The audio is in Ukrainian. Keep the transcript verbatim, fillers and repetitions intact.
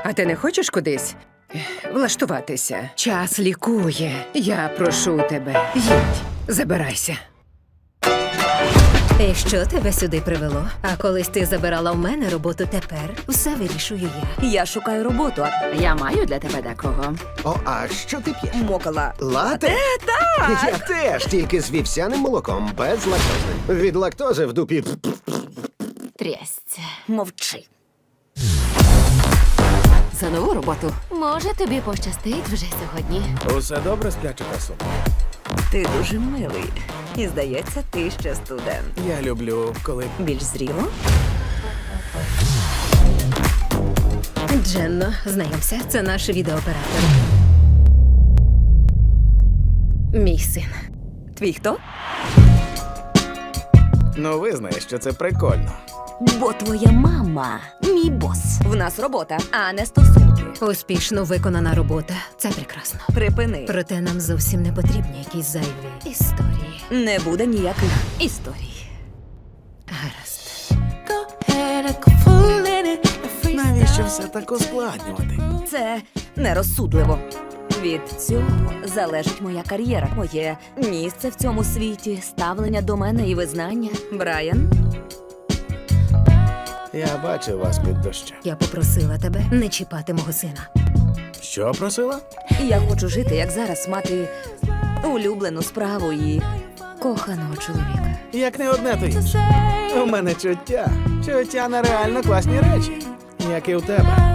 А ти не хочеш кудись влаштуватися? Час лікує. Я прошу тебе. Їдь, забирайся. І що тебе сюди привело? А колись ти забирала в мене роботу, тепер все вирішую я. Я шукаю роботу, а Я маю для тебе декого. О, а що ти п'єш? мокала. Лате? Так! Я теж, тільки з вівсяним молоком, без лактози. Від лактози в дупі. Трясця. Мовчи. За нову роботу. Може, тобі пощастить вже сьогодні. Усе добре, спляча красу? Ти дуже милий. І здається, ти ще студент. Я люблю, коли Більш зріло? Дженно, знайомся, це наш відеооператор. Мій син. Твій хто? ну визнаєш, що це прикольно. Бо твоя мама мій бос. В нас робота, а не стосунки. Успішно виконана робота. Це прекрасно. Припини. Проте нам зовсім не потрібні якісь зайві історії. Не буде ніяких історій. Гаразд. Навіщо все так ускладнювати? Це нерозсудливо. Від цього залежить моя кар'єра, моє місце в цьому світі, ставлення до мене і визнання. Брайан, Я бачив вас під дощем. Я попросила тебе не чіпати мого сина. Що просила? я хочу жити, як зараз, мати улюблену справу і коханого чоловіка. Як не одне, то інше. У мене чуття. Чуття на реально класні речі. Як і у тебе.